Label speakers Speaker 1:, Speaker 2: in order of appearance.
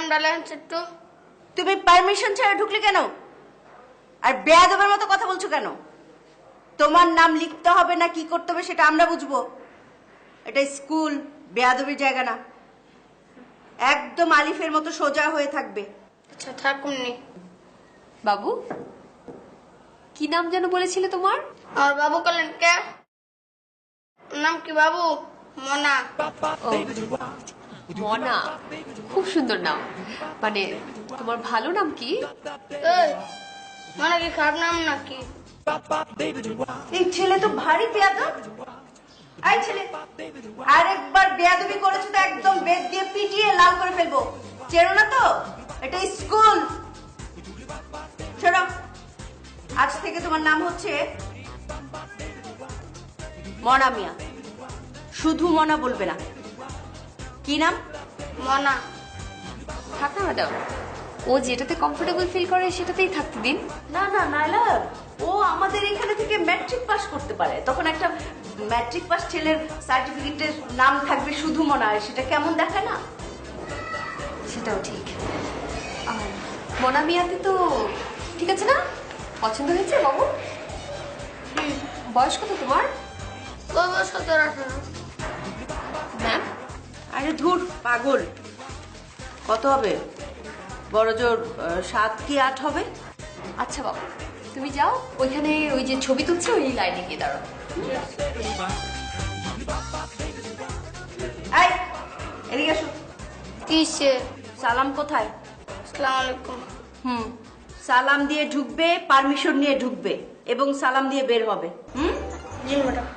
Speaker 1: নামটা লেখেন একটু।
Speaker 2: তুমি পারমিশন ছাড়া ঢুকলে কেন? আর বেয়াদবের মতো কথা বলছো কেন? তোমার নাম লিখতে হবে না কি করতে হবে সেটা আমরা বুঝবো। এটা স্কুল, বেয়াদবির জায়গা না। একদম আলিফের মতো সোজা হয়ে থাকবে।
Speaker 1: আচ্ছা থাকুননি।
Speaker 3: বাবু, কি নাম যেন বলেছিলে তোমার?
Speaker 1: আর বাবু বললেন কে? নাম কি বাবু? মনা।
Speaker 3: ও, মনা, খুব সুন্দর নাম। মানে তোমার ভালো নাম কি?
Speaker 1: এই, মনা কি খারাপ নাম নাকি?
Speaker 2: এই ছেলে তো ভারী বেয়াদব। এই ছেলে, আরেকবার বেয়াদবি করেছো তো একদম বেত দিয়ে পিটিয়ে লাল করে ফেলবো। চেনো না তো? এটা স্কুল। শোনো, আজ থেকে তোমার নাম হচ্ছে মনা মিয়া। শুধু মনা বলবে না। কি নাম?
Speaker 1: মনা।
Speaker 3: থাক না ম্যাডাম, ও যেটাতে কমফোর্টেবল ফিল করে সেটাতেই থাকতে দিন।
Speaker 2: না না নাইলা, ও আমাদের এখানে থেকে ম্যাট্রিক পাস করতে পারে। তখন একটা ম্যাট্রিক পাস ছেলের সার্টিফিকেটের নাম থাকবে শুধু মনা, সেটা কেমন দেখায় না?
Speaker 3: সেটাও ঠিক। আর মনা মিয়াতে তো ঠিক আছে না? পছন্দ হয়েছে বাবু? বয়স কত তোমার?
Speaker 1: ওই বয়স 17-18।
Speaker 3: ম্যাম,
Speaker 2: আরে ধুর পাগল, কত হবে? বড় জোর 7 কি 8 হবে।
Speaker 3: আচ্ছা বাবু, তুমি যাও, ওইখানে ওই যে ছবি তুলছে ওই লাইনে গিয়ে দাঁড়াও।
Speaker 2: এই এদিকে আসো।
Speaker 1: কিসে?
Speaker 2: সালাম কোথায়?
Speaker 1: আসসালামু আলাইকুম।
Speaker 2: সালাম দিয়ে ঢুকবে, পারমিশন নিয়ে ঢুকবে এবং সালাম দিয়ে বের হবে।
Speaker 1: জি ম্যাডাম।